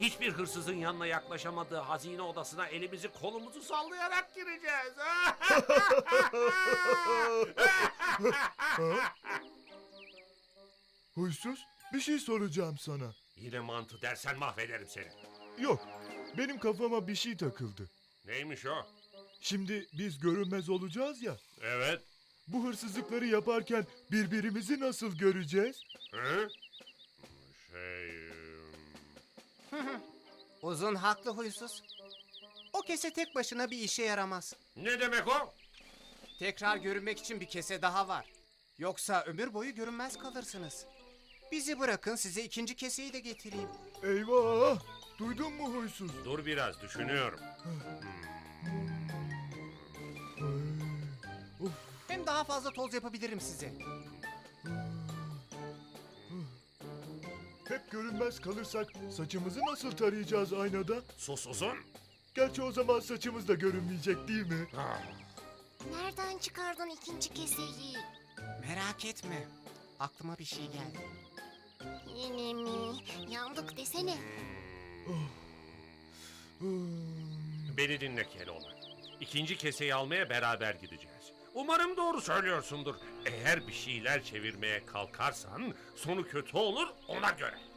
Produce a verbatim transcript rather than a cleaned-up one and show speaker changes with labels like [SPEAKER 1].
[SPEAKER 1] Hiçbir hırsızın yanına yaklaşamadığı hazine odasına elimizi kolumuzu sallayarak gireceğiz.
[SPEAKER 2] Huysuz, bir şey soracağım sana.
[SPEAKER 1] Yine mantı dersen mahvederim seni.
[SPEAKER 2] Yok, benim kafama bir şey takıldı.
[SPEAKER 1] Neymiş o?
[SPEAKER 2] Şimdi biz görünmez olacağız ya.
[SPEAKER 1] Evet.
[SPEAKER 2] Bu hırsızlıkları yaparken birbirimizi nasıl göreceğiz?
[SPEAKER 1] Hı? Şey...
[SPEAKER 3] Uzun haklı huysuz. O kese tek başına bir işe yaramaz.
[SPEAKER 1] Ne demek o?
[SPEAKER 3] Tekrar görünmek için bir kese daha var. Yoksa ömür boyu görünmez kalırsınız. Bizi bırakın, size ikinci keseyi de getireyim.
[SPEAKER 2] Eyvah! Duydun mu huysuz?
[SPEAKER 1] Dur biraz düşünüyorum.
[SPEAKER 3] Hem daha fazla toz yapabilirim size.
[SPEAKER 2] Hep görünmez kalırsak saçımızı nasıl tarayacağız aynada?
[SPEAKER 1] Sus uzun.
[SPEAKER 2] Gerçi o zaman saçımız da görünmeyecek değil mi?
[SPEAKER 4] Nereden çıkardın ikinci keseyi?
[SPEAKER 3] Merak etme. Aklıma bir şey geldi.
[SPEAKER 4] Yine mi? Yandık desene.
[SPEAKER 1] Beni dinle Keloğlan. İkinci keseyi almaya beraber gideceğiz. Umarım doğru söylüyorsundur. Eğer bir şeyler çevirmeye kalkarsan sonu kötü olur, ona göre.